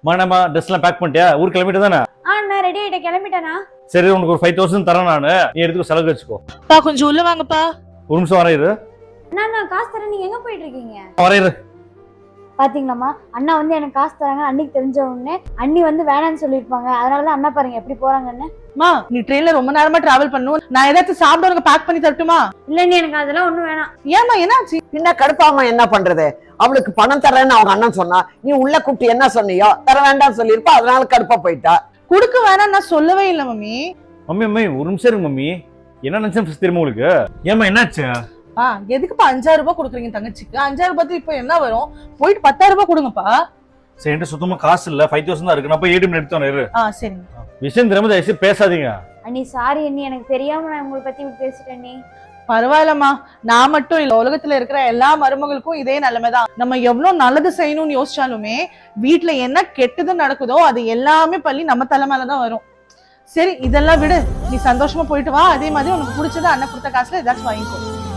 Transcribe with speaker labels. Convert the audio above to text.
Speaker 1: நம்ம ட்ரெஸ் எல்லாம் பேக் பண்ணிட்டியா? ஊர் கிளம்பிட்டு தானே?
Speaker 2: நான் ரெடி ஆயிட்டேன், கிளம்பிட்டேனா?
Speaker 1: சரி, உனக்கு ஒரு 5000 தரேன் நானு. நீ எடுத்து செலவு வச்சுக்கோ.
Speaker 3: பா கொஞ்சம் உள்ள வாங்கப்பா.
Speaker 1: ஒரு நிமிஷம் வரையிரு.
Speaker 2: நான் காசு தரேன், நீங்க எங்க போயிட்டு இருக்கீங்க?
Speaker 1: வரையிரு.
Speaker 2: பாத்தீங்களாமா, அண்ணா வந்து எனக்கு காசு தராங்க அன்னைக்கு தெரிஞ்ச உடனே அண்ணி வந்து வேணான்னு சொல்லிருப்பாங்க. அதனாலதான் அண்ணா பாருங்க எப்படி போறாங்கன்னு.
Speaker 3: மா நீ ட்ரெயின்ல ரொம்ப நேரமா டிராவல் பண்ணும், நான் ஏதாச்சும் சாப்பிட பேக் பண்ணி தரட்டுமா?
Speaker 2: இல்ல நீ எனக்கு அதெல்லாம் ஒண்ணும் வேணாம்.
Speaker 3: ஏமா என்னாச்சு?
Speaker 4: பின்ன கடுப்பாம என்ன பண்றது? அவளுக்கு பணம் தரேன்னு அவங்க அண்ணன் சொன்னா, நீ உள்ள கூப்பிட்டு என்ன சொன்னியோ தர வேண்டாம்னு சொல்லிருப்பா, அதனால கடுப்பா போயிட்டா.
Speaker 3: குடுக்க வேணாம் நான் சொல்லவே இல்லை மம்மி.
Speaker 1: மம்மி ஒரு நிமிஷம் இருங்க மம்மி. என்ன நினைச்சேன் தெரியுமா உங்களுக்கு? ஏமா என்னாச்சு?
Speaker 3: எதுக்குப்பா 5000 ரூபாய் கொடுக்குறீங்க தங்கச்சிக்கு? 5000 ரூபாய் இப்ப என்ன வரும்? போயிட்டு 10000 ரூபாய் கொடுங்கப்பா.
Speaker 1: சரி, சுத்தமா காசு இல்ல, 5000 தான் இருக்கு. நான் போய் ஏடிஎம் எடுத்து வரேன்.
Speaker 3: சரிங்க.
Speaker 1: விஷயம் தெரியாம தயவுசெய்து பேசாதீங்க.
Speaker 2: அண்ணி சாரி அண்ணி, எனக்கு தெரியாம நான் உங்களை பத்தி பேசிட்டேன் அண்ணி.
Speaker 3: பரவாயில்லம்மா, நான் மட்டும் இல்ல, உலகத்துல இருக்கிற எல்லா மருமகளுக்கும் இதே நிலைமைதான். நம்ம எவ்வளவு நல்லது செய்யணும்னு யோசிச்சாலுமே வீட்டுல என்ன கெட்டது நடக்குதோ அது எல்லாமே பள்ளி நம்ம தலைமையிலதான் வரும். சரி இதெல்லாம் விடு, நீ சந்தோஷமா போயிட்டு வா. அதே மாதிரி உனக்கு பிடிச்சத அண்ணன் கொடுத்த காசுல ஏதாச்சும் வாங்கிக்கோ.